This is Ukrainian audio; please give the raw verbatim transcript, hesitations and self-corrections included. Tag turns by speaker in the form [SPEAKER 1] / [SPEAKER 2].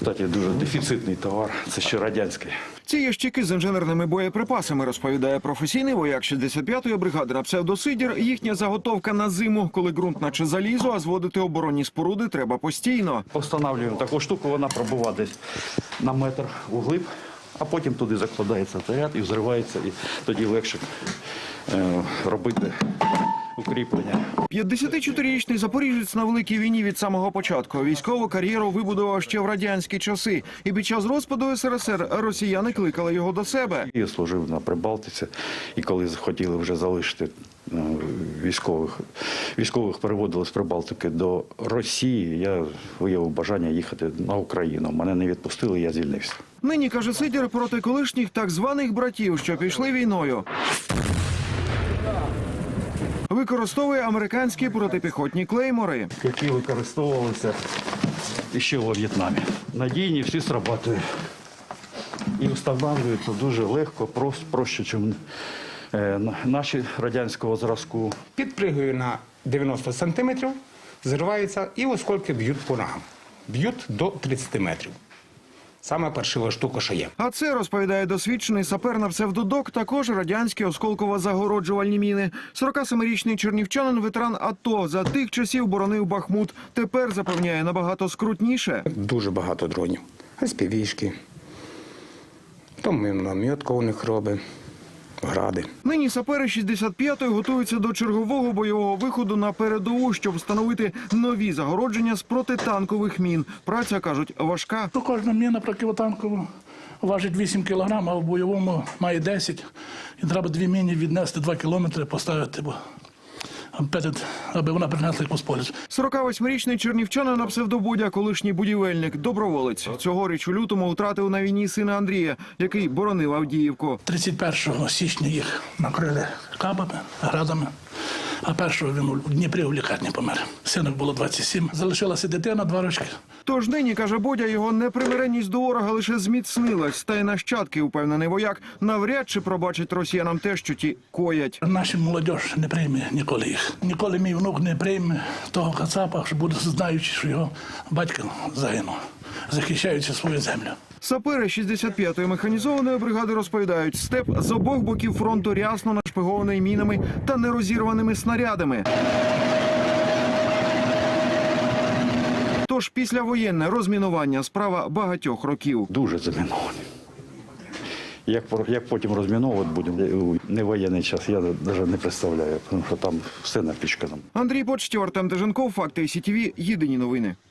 [SPEAKER 1] Кстати, дуже дефіцитний товар, це ще радянський.
[SPEAKER 2] Ці ящики з інженерними боєприпасами, розповідає професійний вояк шістдесят п'ятої бригади на псевдосидір. Їхня заготовка на зиму, коли ґрунт наче залізо, а зводити оборонні споруди треба постійно.
[SPEAKER 1] Встановлюємо таку штуку, вона пробува десь на метр углиб, а потім туди закладається заряд і взривається, і тоді легше е, робити укріплення.
[SPEAKER 2] п'ятдесятичотирирічний запоріжець на Великій війні від самого початку. Військову кар'єру вибудував ще в радянські часи. І під час розпаду ес ер ес ер росіяни кликали його до себе.
[SPEAKER 1] Я служив на Прибалтиці, і коли хотіли вже залишити військових, військових переводили з Прибалтики до Росії, я виявив бажання їхати на Україну. Мене не відпустили, я звільнився.
[SPEAKER 2] Нині, каже Сидір, проти колишніх так званих братів, що пішли війною, використовує американські протипіхотні клеймори,
[SPEAKER 1] які використовувалися ще у В'єтнамі. Надійні, всі срабатують. І встановлюються дуже легко, просто, проще, ніж наші радянського зразку.
[SPEAKER 3] Підпригую на дев'яносто сантиметрів, зривається і оскільки б'ють по ногам. Б'ють до тридцяти метрів. Саме паршива штука, що є.
[SPEAKER 2] А це, розповідає досвідчений сапер на псевдодок, також радянські осколково-загороджувальні міни. сорокасемирічний чернівчанин, ветеран АТО, за тих часів боронив Бахмут. Тепер, запевняє, набагато скрутніше.
[SPEAKER 3] Дуже багато дронів. ес пі ві-шки, там мінометка у них робить, гради.
[SPEAKER 2] Нині сапери шістдесят п'ятої готуються до чергового бойового виходу на передову, щоб встановити нові загородження з протитанкових мін. Праця, кажуть, важка.
[SPEAKER 4] Кожна міна протитанкова важить вісім кілограм, а в бойовому має десять. І треба дві міни віднести два кілометри, поставити, бо аби вона принесла їх по полю.
[SPEAKER 2] сорокавосьмирічний чернівчанин на псевдобудя, колишній будівельник, доброволець. Цьогоріч у лютому втратив на війні сина Андрія, який боронив Авдіївку.
[SPEAKER 4] тридцять першого січня їх накрили кабами, градами, а першого він у Дніпрі у лікарні помер. Сину було двадцять сім. Залишилася дитина, два рочки.
[SPEAKER 2] Тож нині, каже Бодя, його непримиренність до ворога лише зміцнилась. Та й нащадки, упевнений вояк, навряд чи пробачать росіянам те, що ті коять.
[SPEAKER 4] Наша молодь не прийме ніколи їх. Ніколи мій внук не прийме того кацапа, що буде знаючи, що його батько загинув, захищаючи свою землю.
[SPEAKER 2] Сапери шістдесят п'ятої механізованої бригади розповідають, степ з обох боків фронту рясно нашпигований мінами та нерозірваними снарядами. Тож післявоєнне розмінування – справа багатьох років.
[SPEAKER 1] Дуже заміновані. Як, як потім розміновувати будемо у невоєнний час, я навіть не представляю, тому що там все напічкано.
[SPEAKER 2] Андрій Почтєв, Артем Деженков, Факти ай сі ті ві, єдині новини.